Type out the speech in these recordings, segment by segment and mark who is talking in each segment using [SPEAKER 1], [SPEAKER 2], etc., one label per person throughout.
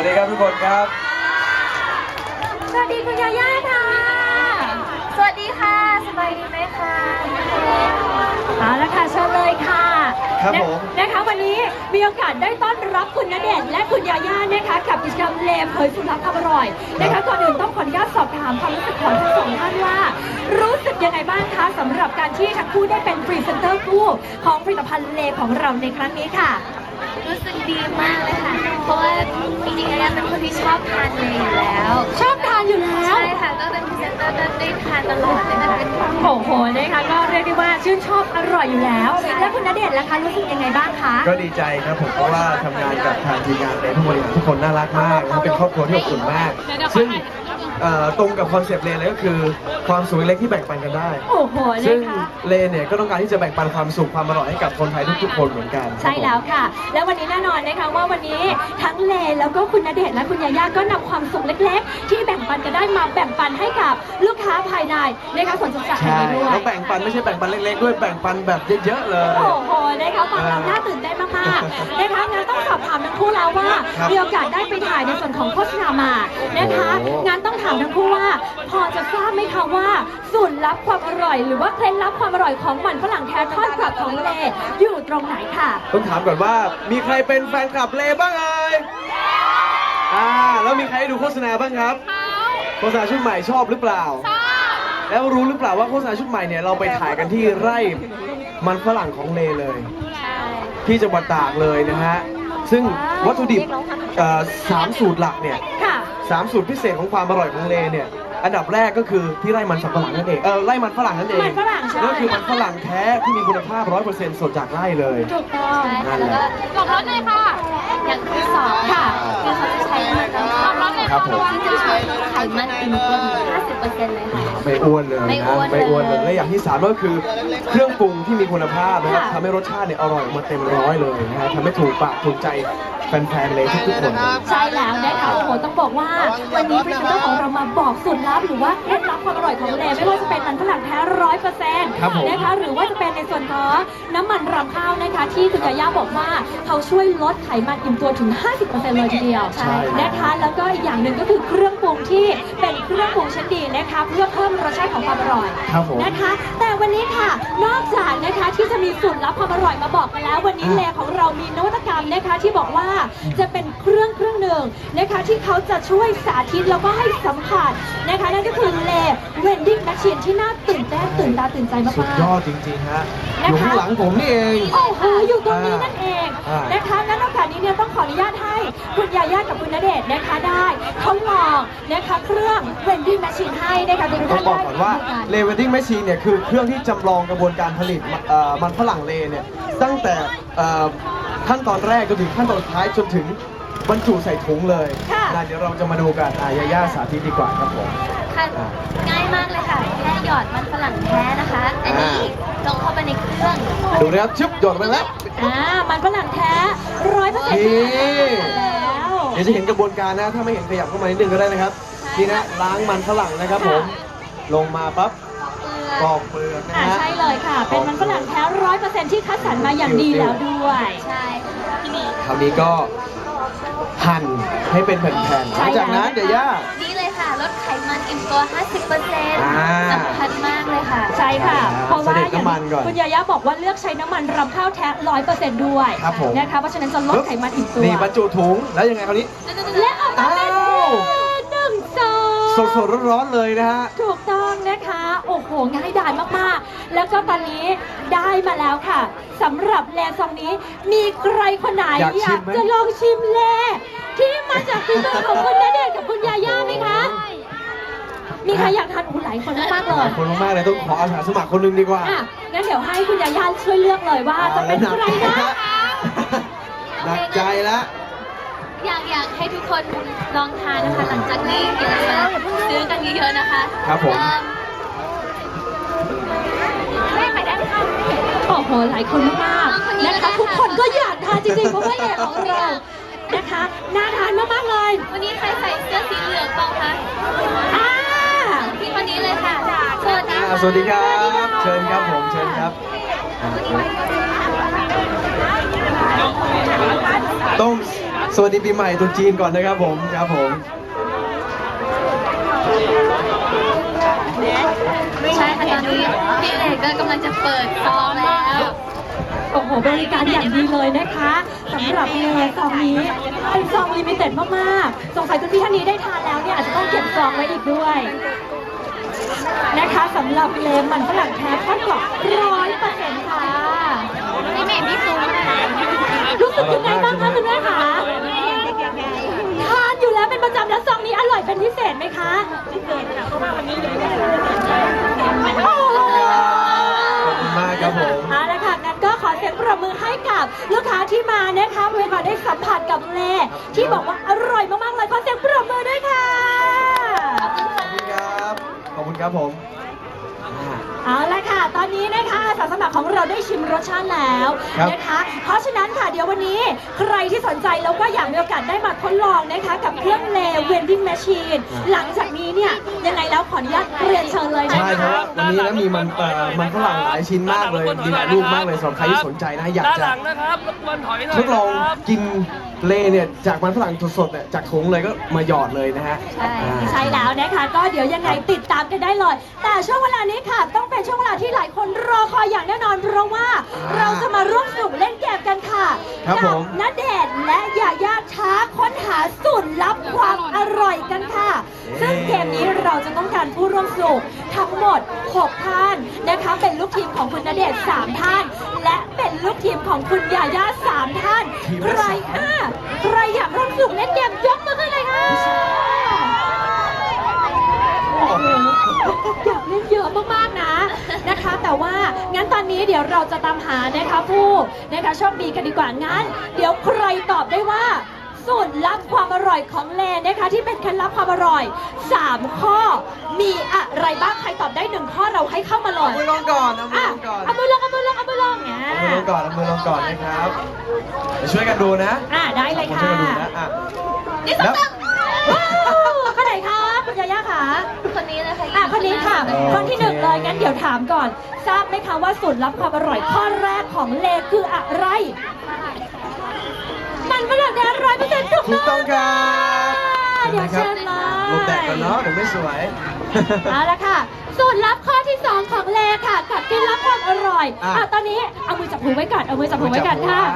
[SPEAKER 1] ดีครับทุกคนครับ
[SPEAKER 2] สวัสดีคุณยาย่าค่ะสวัสดีค่ะสบายดีไหมคะเอาละค่ะเชิญเลยค่ะ
[SPEAKER 1] ครับผม
[SPEAKER 2] นะคะวันนี้มีโอกาสได้ต้อนรับคุณณเดชน์และคุณยาย่านะคะกับกิจกรรมเลเผยสูตรลับความอร่อยนะคะก่อนอื่นต้องขออนุญาตสอบถามความรู้สึกของทั้งสองท่านว่ารู้สึกยังไงบ้างคะสำหรับการที่ทั้งคู่ได้เป็นพรีเซนเตอร์คู่ของผลิตภัณฑ์เลของเราในครั้งนี้ค่ะ
[SPEAKER 3] รู้สึกดีมากเลยค่ะ เพราะว่าจริงๆแล้วเป็นคนที่ชอบทานเลยอยู่แล้ว
[SPEAKER 2] ชอบทานอยู่แล้ว
[SPEAKER 3] ใช่ค่ะก็เป็นพรีเซนเตอร์ก็ได้ทานตลอดเลยค่ะ
[SPEAKER 2] โอ้โหนะคะก็เรียกได้ว่าชื่นชอบอร่อยอยู่แล้ว แล้วคุณณเดชน์ล่ะคะรู้สึกยังไงบ้างคะ
[SPEAKER 1] ก็ดีใจครับผมเพราะว่าทำงานกับทางทีมงานในผู้บริหารทุกคนน่ารักมากเป็นครอบครัวที่อบอุ่นมากซึ่งตรงกับคอนเซปต์เลเลยก็คือความสุขเล็กที่แบ่งปันกันได้
[SPEAKER 2] โอ้โห
[SPEAKER 1] ซึ่งเลเนี่ยก็ต้องการที่จะแบ่งปันความสุขความอร่อยให้กับคนไทยทุกๆคนเหมือนกัน
[SPEAKER 2] ใช่แล้วค่ะแล้ววันนี้แน่นอนนะคะว่าวันนี้ทั้งเลแล้วก็คุณณเดชน์และคุณยาย่าก็นำความสุขเล็กๆที่แบ่งปันกันได้มาแบ่งปันให้กับลูกค้าภายในนะคะสวนจตุจักรแห่งนี้ด้วย
[SPEAKER 1] แล้วแบ่งปันไม่ใช่แบ่งปันเล็กๆด้วยแบ่งปันแบบเยอะๆเลย
[SPEAKER 2] โอ้โหนะคะฟังแล้วน่าตื่นเต้นมากๆนะคะงั้นต้องสอบถามทั้งคู่แล้วว่ามีโอกาสได้ไปถ่ายในส่วนของโฆษณามานะคะงั้นต้องถามทั้งคู่ว่าพอจะทราบไหมคะว่าสูตรลับความอร่อยหรือว่าเคล็ดลับความอร่อยของมันฝรั่งแท้ทอดกรอบของเลอยู่ตรงไหนค่ะ
[SPEAKER 1] ต้องถามก่อนว่ามีใครเป็นแฟนคลับเลบ้างเอ่ยแล้วมีใครดูโฆษณาบ้างครับโฆษณาชุดใหม่ชอบหรือเปล่าแล้วรู้หรือเปล่าว่าโฆษณาชุดใหม่เนี่ยเราไปถ่ายกันที่ไร่มันฝรั่งของเลเลยที่จังหวัดตากเลยนะฮะซึ่งวัตถุดิบ3 สูตรหลักเนี่ย3 สูตรพิเศษของความอร่อยของเลเนี่ยอันดับแรกก็คือที่ไร่มันสำปะหลังนั่นเองไร่มันฝรั่งนั่นเองนั่นคือมันฝรั่งแท้ที่มีคุณภาพ 100% สดจากไร่เลย
[SPEAKER 2] ถูกต้อง
[SPEAKER 3] แล้วก็บอกรสเลยค่ะอย่างที่2ค่ะคือเขาจะใช้บอกรสเลยค่ะที่จะใช้ไขมันอิ่มตัวถึง 50% เลยค่ะ
[SPEAKER 1] ไม่อ้วนเลยนะไม่อ้วนเลยและอย่างที่3ก็คือเครื่องปรุงที่มีคุณภาพนะครับทำให้รสชาติเนี่ยอร่อยมาเต็มร้อยเลยนะฮะทำให้ถูกปากถูกใจแฟนๆเลยทุกคน
[SPEAKER 2] ใช่แล้วนะคะโอ้โหต้องบอกว่าวันนี้พรีเซนเตอร์ของเรามาบอกสูตรลับหรือว่าเคล็ดลับความอร่อยของเลไม่ว่าจะเป็นมันฝรั่งแท้ 100% นะคะหรือว่าจะเป็นในส่วนของน้ำมันรำข้าวนะคะที่คุณยาย่าบอกว่าเขาช่วยลดไขมันอิ่มตัวถึง 50% เลยทีเดียวนะคะแล้วก็อีกอย่างหนึ่งก็คือเครื่องปรุงที่เป็นเครื่องปรุงชั้นดีนะคะเพื่อเพิ่มรสชาติของความอร่อยนะคะแต่วันนี้ค่ะนอกจากนะคะที่จะมีสูตรลับความอร่อยมาบอกกันแล้ววันนี้เลของเรามีนวัตกรรมนะคะที่บอกว่าจะเป็นเครื่องหนึ่งนะคะที่เขาจะช่วยสาธิตแล้วก็ให้สัมผัสนะคะนั่นก็คือเลเวนดิ้งแมชชีนที่น่าตื่นเต้นตื่นตาตื่นใจมากๆ
[SPEAKER 1] สุดยอดจริงๆฮะอยู่ข้างหลังผมนี่เอง
[SPEAKER 2] โอ้โหอยู่ตรงนี้นั่นเองนะคะงั้นโอกาสนี้เนี่ยต้องขออนุญาตให้คุณยาย่ากับคุณณเดชน์นะคะได้ทดลองนะคะเครื่องเวนดิ้งแมชชีนให้นะคะทุกท่าน
[SPEAKER 1] ต้องบอกก่อนว่าเลเวนดิ้งแมชชีนเนี่ยคือเครื่องที่จำลองกระบวนการผลิตมันฝรั่งเลเนี่ยตั้งแต่ขั้นตอนแรกจนถึงขั้นตอนสุดท้ายจนถึงบรรจุใส่ถุงเลยเดี๋ยวเราจะมาดูกันยาย่าสาธิตดีกว่าครับผม
[SPEAKER 3] ค่ะง่ายมากเลยค่ะแค่หยอดมันฝรั่งแท้นะคะอันนี้ลงเข้าไปในเครื่อง
[SPEAKER 1] ดูนะครับชึบหยอดไปแล้ว
[SPEAKER 2] มันฝรั่งแท้ 100%
[SPEAKER 1] แล้วเดี๋ยวจะเห็นกระบวนการนะถ้าไม่เห็นขยับเข้ามานิดนึงก็ได้นะครับนี่นะล้างมันฝรั่งนะครับผมลงมาปั๊บปอกเปลือกนะฮะ
[SPEAKER 2] ใช่เลยค่ะเป็นมันฝรั่งแท้ 100% ที่คัดสรรมาอย่างดีแล้วด้วย
[SPEAKER 3] ใช่ที่นี่
[SPEAKER 1] คราวนี้ก็หั่นให้เป็นแผ่นๆหลังจากนั้นเดี๋ยวย่า
[SPEAKER 3] นี่เลยค่ะลดไขมันอิ่มตัว 50%สำคัญมากเลยค่ะ
[SPEAKER 2] ใช่ค่ะเพราะว่าคุณยาย่าบอกว่าเลือกใช้น้ำมันรำข้าวแท้ 100% ด้วยนะคะเพราะฉะนั้นจะลดไขมันอิ่มตัว
[SPEAKER 1] นี่บรรจุถุงแล้วยังไงคราวนี้
[SPEAKER 2] และออกมาเป็น
[SPEAKER 1] สดๆร้อนๆเลยนะฮะ
[SPEAKER 2] ถูกต้องนะคะโอ้โหง่ายดายมากๆแล้วก็ตอนนี้ได้มาแล้วค่ะสำหรับแลซองนี้มีใครคนไหนอยากจะลองชิมแลที่มาจากฝีมือของคุณณเดชน์กับคุณยาย่าไหมคะมีใครอยากทานหลายคนมากเลย
[SPEAKER 1] คนมากเลยต้องขออาสาสมัครคนนึงดีกว่า
[SPEAKER 2] งั้นเดี๋ยวให้คุณยาย่าช่วยเลือกเลยว่าจะเป็นใครนะ
[SPEAKER 1] หนักใจแล้ว
[SPEAKER 3] อยากให้ทุกคนลองทานนะคะหลังจากนี้เดี๋ยวมาซื้อกันเยอะๆนะคะ
[SPEAKER 1] ครับผม
[SPEAKER 2] โอ้โหหลายคนมากๆนะคะทุกคนก็อยากทานจริงๆเพราะว่าเลของเรานะคะน่าทานมากๆเลย
[SPEAKER 3] วันนี้ใครใส่เสื้อสีเหลืองบ้างคะพี่คนนี้เลยค่ะ
[SPEAKER 1] สวัสดีครับเชิญครับผมเชิญครับต้องสวัสดีปีใหม่ตรุษจีนก่อนนะครับผมครับผม
[SPEAKER 3] ใช่ค่ะตอนนี้พี่เอกก็กำลังจะเปิดซองแล้ว
[SPEAKER 2] โอ้โหบริการอย่างดีเลยนะคะสำหรับเลซองนี้เป็นซองลิมิเต็ดมากๆสงสัยคุณพี่ท่านนี้ได้ทานแล้วเนี่ยอาจจะต้องเก็บซองไว้อีกด้วยนะคะสำหรับเลมันฝรั่งแท้ทอดกรอบ100%ค่ะ
[SPEAKER 3] นี่เมย์พี่ซูนะคะ
[SPEAKER 2] รู้สึกยังไงบ้างคะคุณแม่คะทานอยู่แล้วเป็นประจำแล้วซองนี้อร่อยเป็นพิเศษไหมคะพิเศษค่ะเพราะว่าวันนี้เลยโอ้โห
[SPEAKER 1] ขอบคุณมากครับผม
[SPEAKER 2] เอาละค่ะงั้นก็ขอเสียงปรบมือให้กับลูกค้าที่มานะคะเพื่อขอได้สัมผัสกับเลที่บอกว่าอร่อยมากๆเลยขอเสียงปรบมือด้วยค่ะ
[SPEAKER 1] ขอบคุณครับ ขอบคุณครับผม
[SPEAKER 2] เอาละค่ะ ตอนนี้นะคะอาสาสมัครของเราได้ชิมรสชาติแล้ว
[SPEAKER 1] ครับ
[SPEAKER 2] นะคะ เพราะฉะนั้นค่ะเดี๋ยววันนี้ใครที่สนใจแล้วก็อยากมีโอกาสได้มาทดลองนะคะกับเครื่องเลเวนดิ้งแมชชีนหลังจากนี้เนี่ยยังไงแล้วขออนุญาตเรียนเชิญเลยนะ
[SPEAKER 1] ใช่เพราะ
[SPEAKER 2] คะ
[SPEAKER 1] ว่าวันนี้นะมีมันฝรั่งหลายชิ้นมากเลยมีหลายลูกมากเลยสำหรับใครที่สนใจนะอยาก
[SPEAKER 4] ด้าน
[SPEAKER 1] จะ
[SPEAKER 4] หลังนะครับรบกวนถอยหน่อย
[SPEAKER 1] ทดลอง
[SPEAKER 4] นะครับ
[SPEAKER 1] กินเลเนี่ยจากมันฝรั่งสดๆเนี่ยจากถุงเลยก็มาหยอดเลยนะฮะ
[SPEAKER 3] ใช่
[SPEAKER 1] อ่า
[SPEAKER 2] ใช่แล้วนะคะก็เดี๋ยวยังไงติดตามกันได้เลย แต่ช่วงเวลานี้ค่ะ ต้องเป็นช่วงเวลาที่หลายคนรอคอยอย่างแน่นอนเพราะว่าเราจะมาร่วมสนุกเล่นเกมกันค่ะ
[SPEAKER 1] ครับ
[SPEAKER 2] กั
[SPEAKER 1] ผม
[SPEAKER 2] ณเดชน์และยาย่าท้าค้นหาสูตรลับความอร่อยกันค่ะ ซึ่งเกมนี้เราจะต้องการผู้ร่วมสนุกทั้งหมด 6 ท่านนะคะเป็นลูกทีมของคุณณเดชน์3ท่าน และเป็นลูกทีมของคุณยาย่า3ท่าน
[SPEAKER 1] ทีม
[SPEAKER 2] ใค
[SPEAKER 1] ละ
[SPEAKER 2] ร
[SPEAKER 1] สาม
[SPEAKER 2] ใครอยากร่วมสนุกเล่นเกมยกมือขึ้นเลยค่ะ โอ้โหอยากเล่นเยอะมากๆนะคะ แต่ว่างั้นตอนนี้เดี๋ยวเราจะตามหานะคะผู้นะคะโชคดีกันดีกว่างั้น เดี๋ยวใครตอบได้ว่าสูตรลับความอร่อยของเลนะคะ ที่เป็นเคล็ดลับความอร่อย 3 ข้อ มีอะไรบ้างใครตอบได้ 1 ข้อเราให้เข้ามาเล
[SPEAKER 1] เอา
[SPEAKER 2] ย
[SPEAKER 1] มือลงก่อนเอามือ
[SPEAKER 2] อ่ะ
[SPEAKER 1] ลงก่อน
[SPEAKER 2] เอามือลงเอามือลงเอามือลงอ่ะ
[SPEAKER 1] เอามือลงก่อนเอามือลงก่อนนะครับเดี๋ยวช่วยกันดูนะ
[SPEAKER 2] ได้เลย
[SPEAKER 1] ช่
[SPEAKER 2] ค่ะ
[SPEAKER 1] วยกันดูนะอ่ะ
[SPEAKER 2] นี่ส
[SPEAKER 1] แล้ว
[SPEAKER 2] ต๊อกว้าวคนไหนคะคุณยาย่าคะ
[SPEAKER 3] คนนี้เลยค่ะ
[SPEAKER 2] คนนี้ค่ะ
[SPEAKER 1] โอเค
[SPEAKER 2] คนที่ 1 เลยงั้นเดี๋ยวถามก่อน ทราบไหมคะว่าสูตรลับความอร่อยข้อแรกของเลคืออะไร มันฝรั่งแท้100%ถูก
[SPEAKER 1] ถูก
[SPEAKER 2] ต้
[SPEAKER 1] ต้
[SPEAKER 2] อ
[SPEAKER 1] อง งครับ
[SPEAKER 2] เดี๋ยวเชิญเลย
[SPEAKER 1] ลงแตกก่อนเนาะเดี๋ยวไม่สวย
[SPEAKER 2] เอาละค่ะ สูตรลับข้อที่ 2 ของเลค่ะกับเคล็ดลับความอร่อย
[SPEAKER 1] อ่ะ
[SPEAKER 2] ตอนนี้เอามือจับหูไว้ก่อนเอามือจับหูไว้ก่อนค่ะ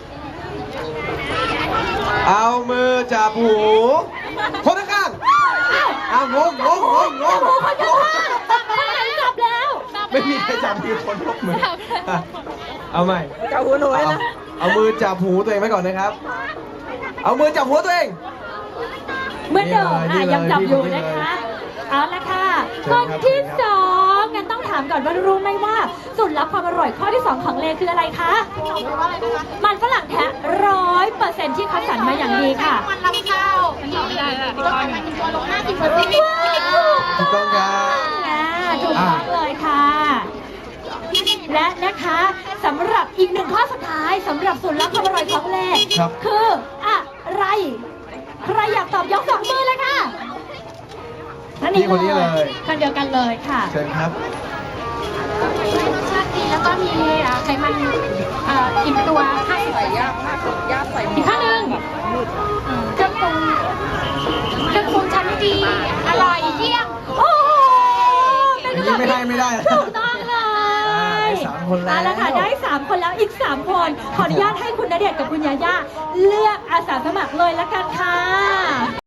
[SPEAKER 1] เอามือจับหูคนข้างๆอ้าวงง
[SPEAKER 2] จับหูคนข้างๆคนไหนจับแล้ว
[SPEAKER 1] ไม่มีใครจับมีคนยกมืออ่ะเอาใหม่จับหูหนูนะเอามือจับหูตัวเองไว้ก่อนนะครับ เอามือจับหัวตัวเอง
[SPEAKER 2] เหมือนเดิม
[SPEAKER 1] นี่เลย
[SPEAKER 2] ยังจับอยู่
[SPEAKER 1] นี่เลย
[SPEAKER 2] นะคะ เอาละค่ะ
[SPEAKER 1] เชิ
[SPEAKER 2] ค
[SPEAKER 1] ญ
[SPEAKER 2] น
[SPEAKER 1] ครับ
[SPEAKER 2] ที่
[SPEAKER 1] เชิญครับ
[SPEAKER 2] สองงั้นต้องถามก่อนว่ารู้ไหมว่าสูตรลับความอร่อยข้อที่ 2 ของเลคืออะไรคะ มันฝรั่งแท้100%ที่คัดสรรมาอย่างดีค่ะ
[SPEAKER 3] มันลำข้าวมันตอบไม่ได้เลยลดมันตัวลง50%
[SPEAKER 1] ถูกต้องครับ
[SPEAKER 2] ถูกต้องเลยค่ะ และนะคะสำหรับอีก 1 ข้อสุดท้ายสำหรับสูตรลับความอร่อยของเล
[SPEAKER 1] ครับ
[SPEAKER 2] คืออะไร ใครอยากตอบยก2 มือเลยค่ะ
[SPEAKER 1] พี่คนนี้เลย
[SPEAKER 2] คนเดียวกันเลยค่ะ
[SPEAKER 1] เชิญครับ
[SPEAKER 3] รสชาติดีแล้วก็มีไขมันอิ่มตัว50%อีกข้างหนึ่งเครื่องปรุงชั้นดี อร่อยเยี่ยม
[SPEAKER 2] โอ้โหเป็นคำตอบ
[SPEAKER 1] ไม่ได้ไม่ได้
[SPEAKER 2] ถูกต้องเลย
[SPEAKER 1] ได้3คนแล้ว
[SPEAKER 2] เอาละค่ะได้ 3 คนแล้วอีก 3 คน ขออนุญาตให้คุณณเดชน์กับคุณยาย่าเลือกอาสาสมัครเลยละกันค่ะ